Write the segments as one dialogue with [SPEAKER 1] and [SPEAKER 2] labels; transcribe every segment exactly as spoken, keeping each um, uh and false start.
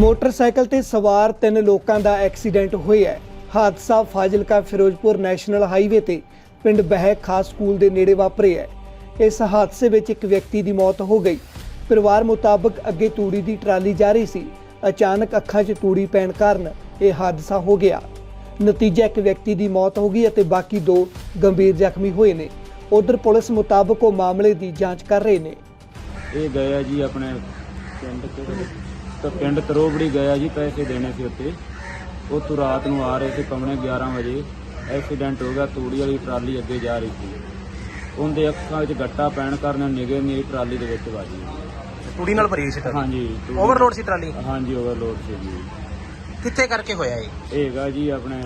[SPEAKER 1] Motorcycle ते सवार तीन लोगों का एक्सीडेंट होया है। हादसा फाजिलका फिरोजपुर नैशनल हाईवे ते पिंड बहक खास स्कूल के नेड़े वापरे है। इस हादसे में एक व्यक्ति की मौत हो गई। परिवार मुताबिक अगे तूड़ी की ट्राली जा रही सी, अचानक अखां 'च तूड़ी पैण कारण यह हादसा हो गया। नतीजा एक व्यक्ति की मौत हो गई और बाकी दो गंभीर जख्मी हुए ने। उधर पुलिस मुताबिक वो मामले की जांच कर रहे हैं।
[SPEAKER 2] ये गया जी अपने पिंड तो पिंड तरोबड़ी गया जी, पैसे देने से उत्ते उतों रात को आ रहे थे पौने ग्यारह बजे एक्सीडेंट हो गया। तूड़ी वाली ट्राली अगे जा रही थी, उनके अखां 'च गट्टा पैण कारण निगे मेरी ट्राली दे विच वाजी।
[SPEAKER 3] तूड़ी नाल भरी सी?
[SPEAKER 2] हाँ जी,
[SPEAKER 3] ओवरलोड सी ट्राली?
[SPEAKER 2] हाँ जी, ओवरलोड से जी।
[SPEAKER 3] कित्थे करके होया ये?
[SPEAKER 2] हैगा जी अपने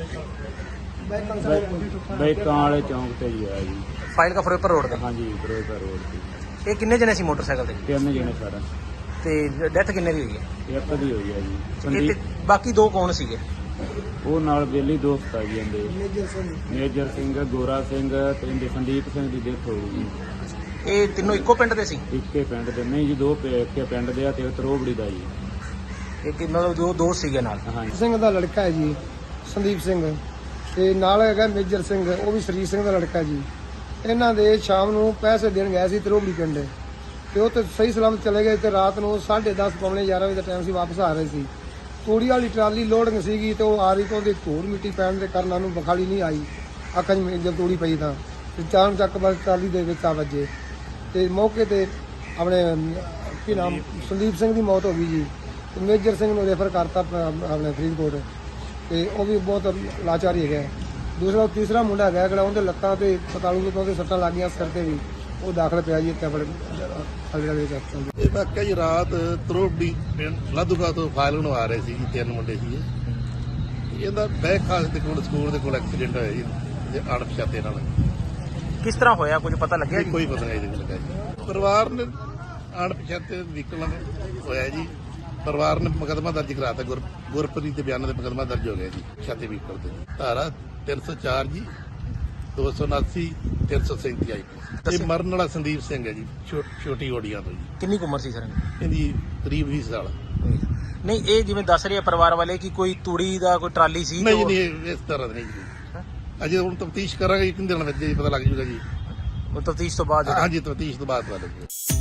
[SPEAKER 2] बैकां वाले चौंक ते ही है जी,
[SPEAKER 3] फाइल का फिरोजपुर रोड ते?
[SPEAKER 2] हाँ जी, फिरोजपुर रोड ते।
[SPEAKER 3] ये किन्ने जने सी मोटरसाइकिल ते?
[SPEAKER 2] तीन जने सारा
[SPEAKER 3] ते डेथ किन्ने दी हुई है?
[SPEAKER 2] एक दी हुई है जी।
[SPEAKER 3] ये
[SPEAKER 2] संदीप
[SPEAKER 3] ते बाकी दो कौन सीगे?
[SPEAKER 2] ਉਹ ਨਾਲ ਬੇਲੀ ਦੋਸਤ ਆ ਜੀ ਇਹਦੇ, ਮੇਜਰ ਸਿੰਘ, ਗੋਰਾ ਸਿੰਘ ਤੇ ਇਹਦੇ ਸੰਦੀਪ ਸਿੰਘ ਦੀ ਡੈਥ ਹੋ ਗਈ।
[SPEAKER 3] ਇਹ ਤਿੰਨੋਂ ਇੱਕੋ ਪਿੰਡ ਦੇ ਸੀ?
[SPEAKER 2] ਇੱਕੇ ਪਿੰਡ ਦੇ ਨਹੀਂ ਜੀ, ਦੋ ਇੱਕੇ ਪਿੰਡ ਦੇ ਆ ਤੇ ਤਰੋਬੜੀ ਦਾ ਜੀ।
[SPEAKER 3] ਇੱਕ ਮਤਲਬ ਦੋ ਦੋਸਤ ਸੀਗੇ ਨਾਲ?
[SPEAKER 2] ਹਾਂਜੀ।
[SPEAKER 4] ਸਿੰਘ ਦਾ ਲੜਕਾ ਹੈ ਜੀ ਸੰਦੀਪ ਸਿੰਘ, ਤੇ ਨਾਲ ਹੈਗਾ ਮੇਜਰ ਸਿੰਘ, ਉਹ ਵੀ ਸ਼ਰੀਰ ਸਿੰਘ ਦਾ ਲੜਕਾ ਜੀ। ਇਹਨਾਂ ਦੇ ਸ਼ਾਮ ਨੂੰ ਪੈਸੇ ਦੇਣ ਗਏ ਸੀ ਤਰੋਬੜੀ ਪਿੰਡ, ਤੇ ਉਹ ਤੇ ਸਹੀ ਸਲਾਮਤ ਚਲੇ ਗਏ ਤੇ ਰਾਤ ਨੂੰ ਸਾਢੇ ਦਸ ਪੌਣੇ ਗਿਆਰਾਂ ਵਜੇ ਦਾ ਟਾਈਮ ਸੀ, ਵਾਪਸ ਆ ਰਹੇ ਸੀ। ਤੂੜੀ ਵਾਲੀ ਟਰਾਲੀ ਲੋਡਿੰਗ ਸੀਗੀ ਤੇ ਉਹ ਆ ਰਹੀ ਤੋਂ ਉਹਦੇ ਧੂੜ ਮਿੱਟੀ ਪੈਣ ਦੇ ਕਾਰਨ ਉਹਨੂੰ ਬਖਾਲੀ ਨਹੀਂ ਆਈ। ਅੱਖਾਂ 'ਚ ਜਦ ਤੂੜੀ ਪਈ ਤਾਂ ਤੇ ਚਾਣ ਚੱਕ ਬਸ ਟਰਾਲੀ ਦੇ ਵਿੱਚ ਆ ਵੱਜੇ ਤੇ ਮੌਕੇ ਤੇ ਆਪਣੇ ਕੀ ਨਾਮ ਸੰਦੀਪ ਸਿੰਘ ਦੀ ਮੌਤ ਹੋ ਗਈ ਜੀ। ਤੇ ਮੇਜਰ ਸਿੰਘ ਨੂੰ ਰੈਫਰ ਕਰਤਾ ਆਪਣੇ ਫਰੀਦਕੋਟ, ਤੇ ਉਹ ਵੀ ਬਹੁਤ ਲਾਚਾਰੀ ਹੈਗਾ। ਦੂਸਰਾ ਤੀਸਰਾ ਮੁੰਡਾ ਹੈਗਾ ਜਿਹੜਾ ਉਹਦੇ ਲੱਤਾਂ ਤੇ ਪਤਾਲੂ ਤੋਂ ਉਹਦੇ ਸੱਟਾਂ ਲੱਗੀਆਂ, ਸਿਰ ਤੇ ਵੀ, ਉਹ ਦਾਖਲ ਪਿਆ ਜੀ ਇੱਥੇ ਆਪਣੇ ਅਗਲੇ ਦੇ ਹਸਪਤਾਲ।
[SPEAKER 5] ਇਹ ਵਾਕਿਆ ਜੀ ਰਾਤ ਤਰੋਬੜੀ ਪਿੰਡ ਲਾਧੂਗਾ ਤੋਂ ਫਾਈਲ ਨੂੰ ਆ ਰਹੇ ਸੀ ਜੀ, ਤਿੰਨ ਮੁੰਡੇ ਸੀ। ਇਹਦਾ ਬੈਕ ਖਾਸ ਦੇ ਕੋਲ ਸਕੂਲ ਦੇ ਕੋਲ ਐਕਸੀਡੈਂਟ ਹੋਇਆ ਜੀ ਅਣਪਛਾਤੇ ਨਾਲ।
[SPEAKER 3] ਕਿਸ ਤਰ੍ਹਾਂ ਹੋਇਆ ਕੁਝ ਪਤਾ ਲੱਗਿਆ ਜੀ?
[SPEAKER 5] ਕੋਈ ਪਤਾ ਨਹੀਂ ਜੀ ਲੱਗਾ ਜੀ। ਪਰਿਵਾਰ ਨੇ ਅਣਪਛਾਤੇ ਵਹੀਕਲ ਨਾਲ ਹੋਇਆ ਜੀ। ਪਰਿਵਾਰ ਨੇ ਮੁਕੱਦਮਾ ਦਰਜ ਕਰਾਤਾ, ਗੁਰ ਗੁਰਪ੍ਰੀਤ ਦੇ ਬਿਆਨਾਂ ਦੇ ਮੁਕੱਦਮਾ ਦਰਜ ਹੋ ਗਿਆ ਜੀ। ਛਾਤੇ ਵਹੀਕਲ ਤੇ ਧਾਰਾ ਤਿੰਨ ਸੌ ਚਾਰ ਜੀ, ਦੋ ਸੌ ਉਨਾਸੀ, ਤਿੰਨ ਸੌ ਸੈਂਤੀ ਆਈ ਪੀ। ਇਹ ਮਰਨ ਵਾਲਾ ਸੰਦੀਪ ਸਿੰਘ ਹੈ ਜੀ, ਛੋਟੀ ਓੜੀਆਂ ਤੋਂ ਜੀ।
[SPEAKER 3] ਕਿੰਨੀ ਕੁ ਉਮਰ ਸੀ ਸਰ?
[SPEAKER 5] ਇਹਦੀ ਕਰੀਬ ਵੀਹ ਸਾਲ।
[SPEAKER 3] ਨਹੀਂ, ਇਹ ਜਿਵੇਂ ਦੱਸ ਰਹੇ ਆ ਪਰਿਵਾਰ ਵਾਲੇ ਕਿ ਕੋਈ ਤੂੜੀ ਦਾ ਕੋਈ ਟਰਾਲੀ ਸੀ?
[SPEAKER 5] ਨਹੀਂ ਨਹੀਂ, ਇਸ ਤਰ੍ਹਾਂ ਨਹੀਂ ਜੀ। ਅਜੇ ਹੁਣ ਤਫਤੀਸ਼ ਕਰਾਂਗੇ, ਇੱਕ ਦਿਨ ਵਿੱਚ ਜੀ ਪਤਾ ਲੱਗ ਜੂਗਾ ਜੀ।
[SPEAKER 3] ਉਹ ਤਫਤੀਸ਼ ਤੋਂ ਬਾਅਦ?
[SPEAKER 5] ਹਾਂਜੀ, ਤਫਤੀਸ਼ ਤੋਂ ਬਾਅਦ ਪਤਾ ਲੱਗੂਗਾ।